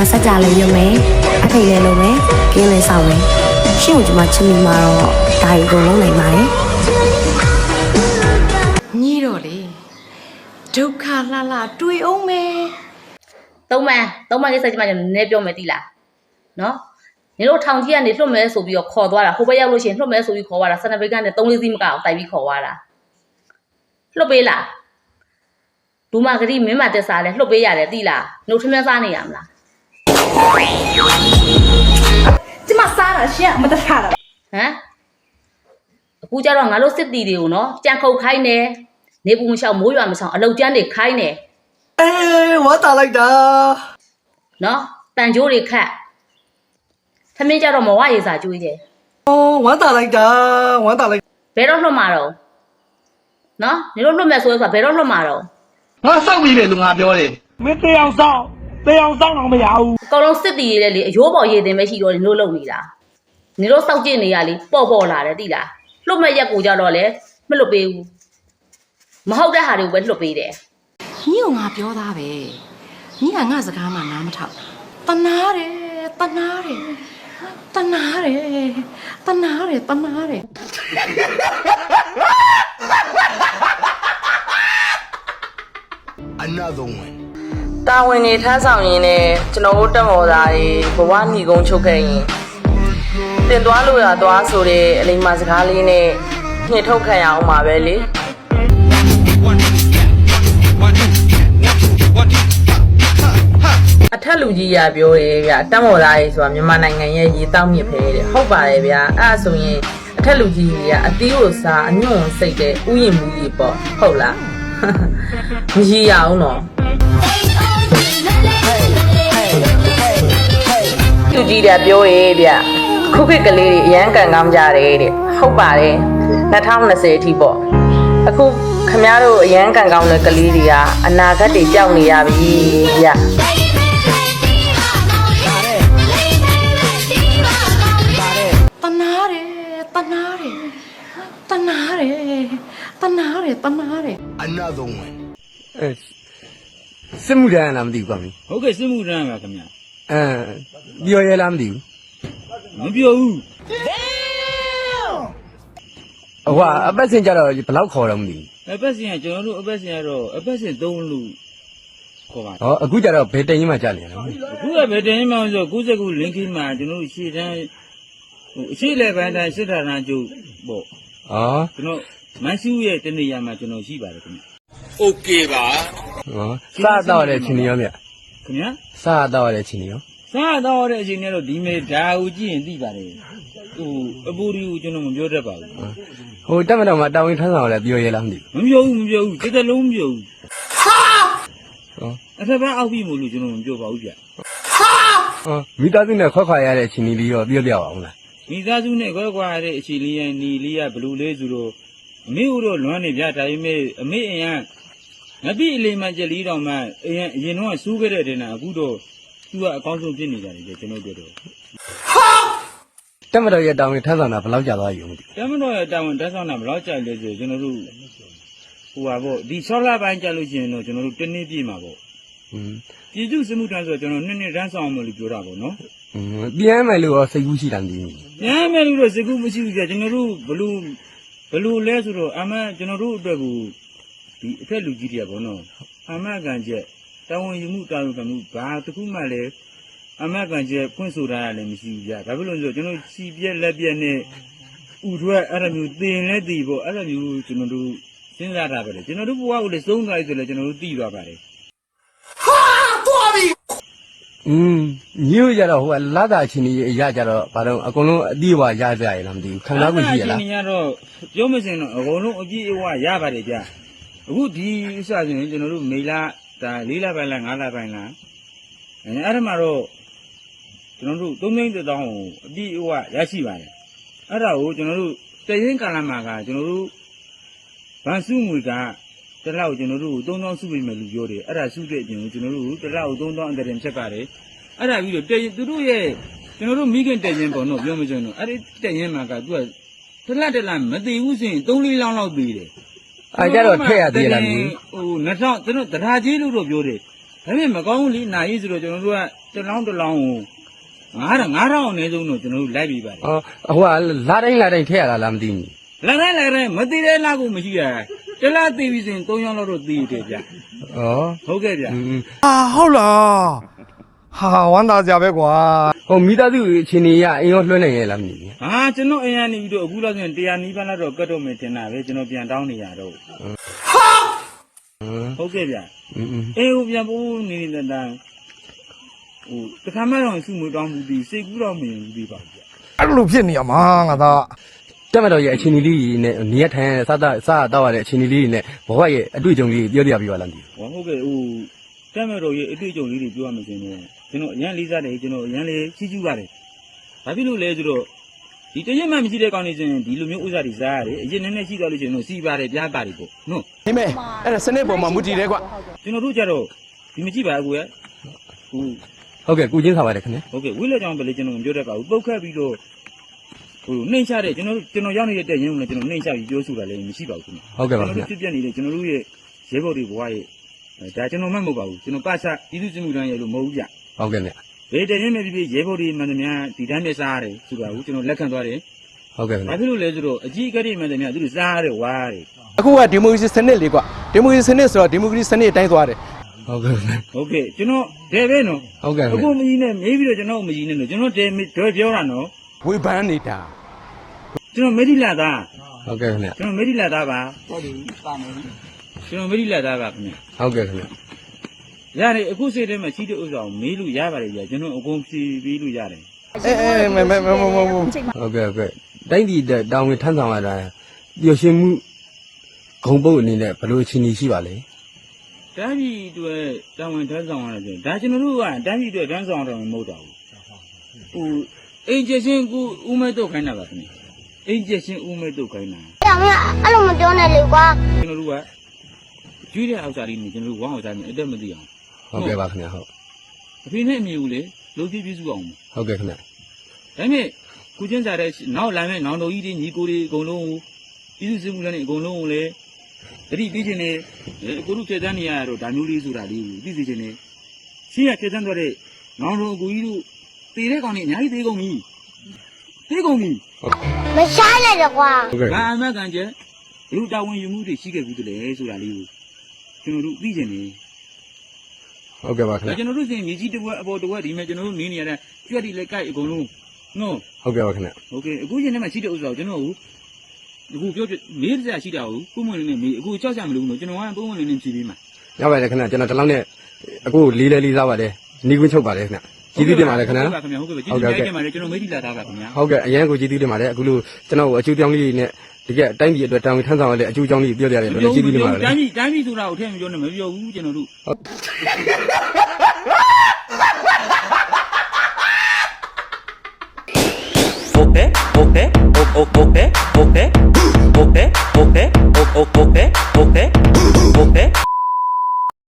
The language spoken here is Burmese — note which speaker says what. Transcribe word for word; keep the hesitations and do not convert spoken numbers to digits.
Speaker 1: မှာစကြလည်းရုံမယ်အထိတ်လည်းလုံးမယ်ကင်းလည်းဆောင်မယ်ရှင့်ကိုဒီမှာချစ်မိမှာတော့ဒါရီကိုလုံးနိုင်ပါတယ်
Speaker 2: ညီတော့လေဒုက္ခလှလှတွေ့အောင်မယ်
Speaker 3: သုံးမန်းသုံးမန်းကိစ္စကြီးမှကျွန်တော်နည်းနည်းပြောမယ်တိလားနော်ညီတို့ထောင်ကြီးကနေလွတ်မဲဆိုပြီးတော့ခေါ်သွားတာဟိုဘက်ရောက်လို့ရှိရင်လွတ်မဲဆိုပြီးခေါ်သွားတာစနဘိတ်ကနေသုံးလေးစီးမကအောင်တိုက်ပြီးခေါ်သွားတာလွတ်ပေးလားဒူမာဂရီမင်းမတက်စားလဲလွတ်ပေးရတယ်တိလားနှုတ်ထမင်းစားနေရမလား
Speaker 2: ကျမစားတာရှင့်မတတ်တာဟ
Speaker 3: မ်အခုကျတော့ငါတို့စစ်တီတွေကိုနော်ကြံခုတ်ခိုင်းနေနေပူမလျှောက်မိုးရွာမဆောင်အလုတ်ကျန်းတွေခိုင်းနေ
Speaker 4: အေးဝါတာလိုက်တာ
Speaker 3: နော်တန်ကြိုးတွေခတ်ထမင်းကြတော့မဝရေစာကျွေးတယ်
Speaker 4: အော်ဝါတာလိုက်တာဝါတာလိုက်
Speaker 3: ဘယ်တော့လွတ်မှာတော့နော်နေတို့လွတ်မယ်ဆိုတော့ဘယ်တော့လွတ်မှာတော့
Speaker 4: ငါစောက်ပြီးတယ်လို့ငါပြောတယ်
Speaker 5: မင်းတေအောင်ဆောင်တေအောင်ဆောင်တော့မရဘူး
Speaker 3: အကောင်လုံးစစ်တီတွေလေအယိုးပေါ်ရည်တင်ပဲရှိတော့နေတို့လုံနေတာနေတို့စောက်ကျင်နေရလေပေါ့ပေါ့လာတယ်တိလားလွတ်မဲ့ရက်ကိုကြတော့လေမလွတ်ပေးဘူးမဟုတ်တဲ့ဟာတွေကိုပဲလွတ်ပေးတယ်
Speaker 2: ညီကငါပြောသားပဲညီကငါစကားမှနားမထောက်တနာတယ်တနာတယ်တနာတယ်တနာတယ်တနာတယ်
Speaker 6: Another one
Speaker 7: တာဝန်တွေထမ်းဆောင်ရင်းနဲ့ကျွန်တော်တို့တက်မော်သားတွေဘဝညီကုန်းချုပ်ခဲ့ရင်တင်သွားလို့ရသွားဆိုတဲ့အလိမ္မာစကားလေးနဲ့ညှစ်ထုတ်ခံရအောင်ပါပဲလေအထက်လူကြီးရပြောရဲဗျတက်မော်သားကြီးဆိုတာမြန်မာနိုင်ငံရဲ့ရေတောက်မြစ်ပဲတဲ့ဟုတ်ပါတယ်ဗျအဲ့ဒါဆိုရင်အထက်လူကြီးကြီးကအသီးကိုစားအညွန့်စိတ်တဲ့ဥယျာဉ်မူကြီးပေါ့ဟုတ်လားမရရအောင်တော့လူကြီးတွေပြောရဲဗျခုခေတ်ကလေးတွေအရန်ကန်ကောင်းကြတယ်တဲ့ဟုတ်ပါတယ်၂၀၂၀အထိပေါ့အခုခမတို့အရန်ကန်ကောင်းတဲ့ကလေးတွေကအနာဂတ်တွေကြောက်နေရပြီဗျ
Speaker 2: တနာတယ်တနာတယ်တနာတယ်တနာတယ်တနာတယ်
Speaker 6: Another one
Speaker 4: အဲစစ်မှုတန်းလားမသိဘူးကွာမင်း
Speaker 5: ဟုတ်ကဲ့စစ်မှုထမ်းပါခင်ဗျာ
Speaker 4: အဲပြောရဲလားမသိဘူး
Speaker 5: မပြောဘူး
Speaker 4: ဟိုကအပတ်စင်ကြတော့ဘယ်လောက်ခေါ်တော့မသိဘူး
Speaker 5: အပတ်စဉ်ကကျွန်တော်တို့အပတ်စဉ်ကတော့အပတ်စဉ်သုံးလူခေါ်ပါ
Speaker 4: ဟောအခုကြတော့ဘယ်တင်ကြီးမှကြာနေလဲ
Speaker 5: အခုကဘယ်တင်မှဆို၉၀ခုလင်းခင်းမှာကျွန်တော်တို့ရှေ့တန်းဟိုအရှိလေပိုင်းတိုင်းစစ်ထာဏာကျုပ်ပေါ့
Speaker 4: ဟော
Speaker 5: ကျွန်တော်မန်ရှူးရဲ့တနေရာမှာကျွန်တော်ရှိပါတယ်ခင်ဗျ
Speaker 6: โอเคပါ
Speaker 4: ဟောစားတော့တဲ့ချင်းရောဗျ
Speaker 5: ခင်ဗျာ
Speaker 4: စားတော့တဲ့ချင်းရော
Speaker 5: စားတော့တဲ့အချိန်နဲ့တော့ဒီမေဓာကိုကြည့်ရင်သိပါတယ်ဟိုအပူရီကိုကျွန်တော်မပြောတတ်ပါဘူး
Speaker 4: ဟိုတက်မတော်မှာတာဝန်ထမ်းဆောင်လဲပြောရဲလားမသိ
Speaker 5: ဘူးမပြောဘူးမပြောဘူးတစ်သက်လုံးမပြောဘူးဟာဟောအထက်ဘက်အောက်ပြီးမို့လို့ကျွန်တော်မပြောပါဘူးဗျဟာ
Speaker 4: ဟောမိသားစုနဲ့ခွက်ခွာရတဲ့ချင်းလေးရောပြောပြအောင်လား
Speaker 5: မိသားစုနဲ့ခွက်ခွာရတဲ့အချိန်လေးရဲ့ညီလေးကဘလူလေးဆိုတော့အမေဦးတော့လွမ်းနေဗျဒါပေမဲ့အမေအရင်ငါပြည့်အလေးမှကြက်လေးတောင်မှအရင်အရင်တော့စူးခဲ့တဲ့တင်တာအခုတော့သူကအကောင်းဆုံးဖြစ်နေကြတယ်ကျွန်တော်တို့တော့
Speaker 4: တက်မတော်ရဲ့တာဝန်ထမ်းဆောင်တာဘယ်လောက်ကြာသွားပြီမသိ
Speaker 5: တက်မတော်ရဲ့တာဝန်ထမ်းဆောင်တာဘယ်လောက်ကြာလဲဆိုကျွန်တော်တို့ဟိုပါပေါ့ဒီဆောလာပိုင်းကြာလို့ရှိရင်တော့ကျွန်တော်တို့တနေ့ပြည့်မှာပေါ့
Speaker 4: อืม
Speaker 5: ပြည်သူစစ်မှုထမ်းဆိုတော့ကျွန်တော်နှစ်နှစ်တန်းဆောင်အောင်လို့ပြောတာပေါ့နော်
Speaker 4: อืมပြန်မယ်လို့ရောစိတ်ကူးရှိတာမသိဘူး
Speaker 5: ပြန်မယ်လို့တော့စိတ်ကူးမရှိဘူးကြာကျွန်တော်တို့ဘလို့ဘလို့လဲဆိုတော့အမှန်ကျွန်တော်တို့အတွက်ကိုဒီအထက်လူကြီးတွေကပေါ့နော်အမှန်ကန်ချက်တာဝန်ယူမှုတာဝန်ခံမှုဘာတစ်ခုမှလည်းအမှန်ကန်ချက်ဖွင့်ဆိုတာလည်းမရှိဘူးကြာဒါဖြစ်လို့ဆိုကျွန်တော်စီပြက်လက်ပြက်နဲ့ဥထွက်အဲ့လိုမျိုးတင်လဲတည်ပေါ့အဲ့လိုမျိုးကျွန်တော်တို့စဉ်းစားတာပဲလေကျွန်တော်တို့ဘဝကိုလည်းသုံးသွားပြီဆိုလည်းကျွန်တော်တို့သိသွားပါတယ်
Speaker 6: ဟာသွားပြီ
Speaker 4: อืมညို့ကြတော့ဟိုကလာတာချင်းကြီးအရာကြတော့ဘာလို့အကုန်လုံးအတိအဝရကြရလားမသိဘူးခံစားမှုရှိရလား
Speaker 5: အချင်းကြီးကတော့ပြောမစင်တော့အကုန်လုံးအပြည့်အဝရပါတယ်ကြာအခုဒီဥစ္စာဆိုရင်ကျွန်တော်တို့မေလာဒါ၄လပိုင်းလား၅လပိုင်းလားအဲအဲ့ဒါမှတော့ကျွန်တော်တို့သုံးသိန်းတစ်သောင်းကိုအပြည့်အဝရရှိပါတယ်အဲ့ဒါကိုကျွန်တော်တို့တရင်ကာလမှာကကျွန်တော်တို့ဗန်စုငွေကတလောက်ကျွန်တော်တို့သုံးသောင်းစုပေးမယ်လို့ပြောတယ်အဲ့ဒါစုတဲ့အပြင်ကိုကျွန်တော်တို့တလောက်သုံးသောင်းအတရင်ဖြတ်ပါတယ်အဲ့ဒါပြီးတော့တရင်သူတို့ရဲ့ကျွန်တော်တို့မိခင်တရင်ပေါ့နော်ပြောမစမ်းတော့အဲ့ဒီတရင်မှာကသူကတလက်တလက်မသိဘူးဆိုရင်သုံးလေးလောင်းလောက်ပေးတယ်
Speaker 4: အဲကြတော့ထည့်ရသေးလားမင်း
Speaker 5: ဟိုနှစ်ထောင်ကျွန်တော်တရားကြီးလို့တော့ပြောတယ်ဒါပေမဲ့မကောင်းဘူးလေနာရေးဆိုတော့ကျွန်တော်တို့ကတလောင်းတလောင်းကိုငါးငါးထောင်အနည်းဆုံးတော့ကျွန်တော်တို့လိုက်ပြီးပါတယ်
Speaker 4: အော်ဟိုကလာတိုင်းလာတိုင်းထည့်ရတာလားမသိဘူး
Speaker 5: လာတိုင်းလာတိုင်းမသိတဲ့လားကိုမရှိရတလားသိပြီစဉ်သုံးယောက်လောက်တော့သိတယ်ဗျ
Speaker 4: ဩ
Speaker 5: ဟုတ်ကဲ့ဗျ
Speaker 4: อืม
Speaker 6: အာဟုတ်လားဟာဝမ်းသာကြပဲကွာ
Speaker 4: ဟိုမိသားစုအချင်းကြီးရအိမ်ရောလွှဲနိုင်ရဲ့လားမသိဘူး
Speaker 5: ဟာကျွန်တော်အရင်နေပြီးတော့အခုလောက်ဆိုရင်တရားနီးပါးလောက်တော့ကတ်တော့မယ်ထင်တာပဲကျွန်တော်ပြန်တောင်းနေရတော့
Speaker 4: ဟမ်
Speaker 5: ဟုတ်ကဲ့ဗျ
Speaker 4: อืม
Speaker 5: အေးဟိုပြန်ပို့နေနေတဲ့တန်းဟိုတခါမှတော့စုမတောင်းဘူးဒီစိတ်ကူးတော့မရင်ဘူးဒီပါဗျ
Speaker 6: အဲ့လိုဖြစ်နေရမှာငါသား
Speaker 4: တက်မတော်ရဲ့အချင်းကြီးလေးနဲ့နေရထိုင်ရစသစတော့ရတဲ့အချင်းကြီးလေးနဲ့ဘဝရဲ့အတွေ့အကြုံလေးပြောပြပြပါလားမသိ
Speaker 5: ဟောဟုတ်ကဲ့ဟိုတက်မဲ့တော်ရဲ့အတွေ့အကြုံလေးတွေပြောရမယ်ဆိုရင်ကျွန်တော်အရန်လေးစားတယ်ကျွန်တော်အရန်လေးချီးကျူးပါတယ်ဘာဖြစ်လို့လဲဆိုတော့ဒီတရက်မှမရှိတဲ့ကောင်းနေစဉ်ဒီလိုမျိုးဥစ္စာတွေစားရတယ်အရင်နည်းနည်းရှိသွားလို့ရှိရင်တော့စီပါတယ်ပြားပါတယ်ပေါ့နော်
Speaker 6: ဟိမဲအဲ့ဒါစနစ်ပေါ်မှာမူတည်တယ်ကွာ
Speaker 5: ကျွန်တော်တို့ကြတော့ဒီမကြည့်ပါဘူးကွယ်ဟို
Speaker 4: ဟုတ်ကဲ့ကုချင်းစားပါတယ်ခင်ဗျ
Speaker 5: ဟုတ်ကဲ့ဝိလက်ကြောင်ပဲလေကျွန်တော်မပြောတတ်ပါဘူးပုတ်ခတ်ပြီးတော့ဟိုနှိမ့်ချတဲ့ကျွန်တော်ကျွန်တော်ရောက်နေတဲ့တက်ရင်လည်းကျွန်တော်နှိမ့်ချပြီးပြောဆိုတာလည်းမရှိပါဘူးခင်ဗျ
Speaker 4: ဟုတ်ကဲ့ပါ
Speaker 5: ကျွန်
Speaker 4: ခင်
Speaker 5: တော်
Speaker 4: ဗျ
Speaker 5: တို့ဖြစ်ပြနေတဲ့ကျွန်တော်တို့ရဲ့ရဲဘော်တွေဘဝရဲ့ဒါကျွန်တော်မှမဟုတ်ပါဘူးကျွန်တော်ပါချပြည်သူ့စစ်မှုထမ်းရဲ့လို့မဟုတ်ဘူးဗျ
Speaker 4: ဟုတ်ကဲ့ဗျ
Speaker 5: ဘယ်တရင်မဲ့ဖြစ်ဖြစ်ရဲဘော်တွေမှန်သမျှဒီတိုင်းနဲ့စားရတယ်ဆိုတာကိုကျွန်တော်လက်ခံသွားတယ်
Speaker 4: ဟုတ်ကဲ့ဗျ
Speaker 5: ဘာဖြစ်လို့လဲဆိုတော့အကြီးအကဲတွေမှန်သမျှသူတို့စားရတယ်ဝါရတယ်
Speaker 6: အခုကဒီမိုကရေစီစနစ်လေကွာဒီမိုကရေစီစနစ်ဆိုတော့ဒီမိုကရေစီစနစ်အတိုင်းသွားတယ်
Speaker 4: ဟုတ်ကဲ့ဗျ
Speaker 5: ဟုတ်ကဲ့ကျွန်တော်ဒဲပဲနော်
Speaker 4: ဟုတ်ကဲ့
Speaker 5: အခု
Speaker 4: ဗျ
Speaker 5: မကြီးနဲ့မေးပြီးတော့ကျွန်တော်မကြီးနဲ့နော်ကျွန်တော်ဒဲဒဲပြောတာနော်
Speaker 6: ဝေဖန်နေတာ
Speaker 5: ကျွန်တော်မေဒီလာသား
Speaker 4: ဟုတ်ကဲ့ခင်ဗျ
Speaker 5: ကျွန်တော်မေဒီလာသားပါဟုတ်တယ်ပါမယ်ကျွန်တော်မေဒီလာသားပါခင်ဗျ
Speaker 4: ဟုတ်ကဲ့ခင်ဗျ
Speaker 5: ရတယ်အခုစိတ်ထဲမှာရှိတဲ့ဥစ္စာကိုမေးလို့ရပါတယ်ကြာကျွန်တော်အကုန်ဖြေပေးလို့ရတယ်
Speaker 6: အဲအဲမဲမဲမဲမဲမဲ
Speaker 4: ဟုတ်ကဲ့ဟုတ်ကဲ့တိုင်းပြည်တောင်းဝင်ထမ်းဆောင်ရတာပျော်ရွှင်မှုဂုံပုတ်အနေနဲ့ဘယ်လိုအခြေအနေရှိပါလဲ
Speaker 5: တိုင်းပြည်အတွက်တာဝန်ထမ်းဆောင်ရတယ်ဆိုရင်ဒါကျွန်တော်တို့ကတိုင်းပြည်အတွက်ထမ်းဆောင်ရတာမဟုတ်တော့ဘူးဟိုအင်ဂျင်ရှင်ကူဦးမဲတော့ခိုင်းတာပါခင်ဗျအင်ဂျင်ရှင်ဦးမဲတော့ခိုင်းတာ
Speaker 8: ။အဲ့မအဲ့လိုမပြောနဲ့လေကွာ
Speaker 5: ကျွန်တော်တို့ကကျွေးတဲ့အောက်စားလေးနေကျွန်တော်တို့ဝမ်းအောင်စားနေအတက်မသိအောင်
Speaker 4: ဟုတ်ကဲ့ပါခင်ဗျဟုတ်
Speaker 5: အဖေနဲ့အမေကိုလေလုံးပြည့်ပြည့်စုအောင်
Speaker 4: ဟုတ်ကဲ့ခင်ဗျ
Speaker 5: ဒါပေမဲ့ကုချင်းစားတဲ့နောက်လာမဲ့နောင်တော်ကြီးတွေညီကိုတွေအကုန်လုံးကိုပြည်သူစစ်မှုလည်းအကုန်လုံးကိုလည်းတတိပြီးချင်းနေကိုလူဖြည့်တန်းနေရတော့ဒါမျိုးလေးဆိုတာလေးကိုသိသိချင်းနေရှင်းရဖြည့်တန်းသွားတဲ့နောင်တော်အကူကြီးတို့တည်တဲ့ကောင်တွေအများကြီးသေးကုန်ပြီသေးကုန်ပြီ
Speaker 8: ။မရှားနဲ့တော့ကွာ
Speaker 4: ဟုတ်ကဲ့
Speaker 5: ဘာအမှတ်ကန်ကျဘလူတာဝန်ယူမှုတွေရှိခဲ့ဘူးတည်းဆိုတာလေးကိုကျွန်တော်တို့သိချင်းနေ
Speaker 4: ဟုတ်ကဲ့ပါခင်
Speaker 5: ဒါ
Speaker 4: ဗျ
Speaker 5: ကျွန်တော်တို့စင်မြေကြီးတစ်ဝက်အပေါ်တစ်ဝက်ဒီမဲ့ကျွန်တော်တို့နေနေရတဲ့ကျွတ်တီလက်ကိုက်အကုန်လုံးနော်
Speaker 4: ဟုတ်ကဲ့ပါခင်ဗျ
Speaker 5: โอเคအခုရင်ထဲမှာရှိတဲ့ဥစ္စာကိုကျွန်တော်တို့အခုပြောပြမေးစရာရှိတာကိုပုံမှန်လေးနဲ့မေးအခုကြောက်ကြမလို့နော်ကျွန်တော်ကပုံမှန်လေးနဲ့ဖြေပေးမှာ
Speaker 4: ရပါတယ်ခင်ဗျကျွန်တော်ဒီလောက်နဲ့အခုလေးလေးလေးစားပါတယ်နီးကွင်းချုပ်ပါတယ်ခင်ဗျကျေးဇူးတင်ပါတယ်ခင်ဗျ
Speaker 5: ဟုတ်ပါခင်ဗျာဟုတ်ကဲ့ကျေးဇူးတင်ပါတယ်ကျွန်တော်မေးကြည့်လာတာပါခင်ဗျာ
Speaker 4: ဟုတ်ကဲ့အရင်ကိုကျေးဇူးတင်ပါတယ်အခုလိုကျွန်တော်အကျိုးကြောင်းလေးနဲ့တကယ်အတိုင်းပြည်အတွက်တာဝန်ထမ်းဆောင်ရတဲ့အကျိုးကြောင်းလေးပြောပြရတယ်လို့ကျေးဇူးတင်ပါတယ်
Speaker 5: တိုင်းပြည်တိုင်းပြည်ဆိုတာကိုထည့်မပြောနဲ့မပြောဘူးကျွန်တော်တို့
Speaker 9: Okay, okay, okay, okay, okay, okay, okay, okay, okay, okay.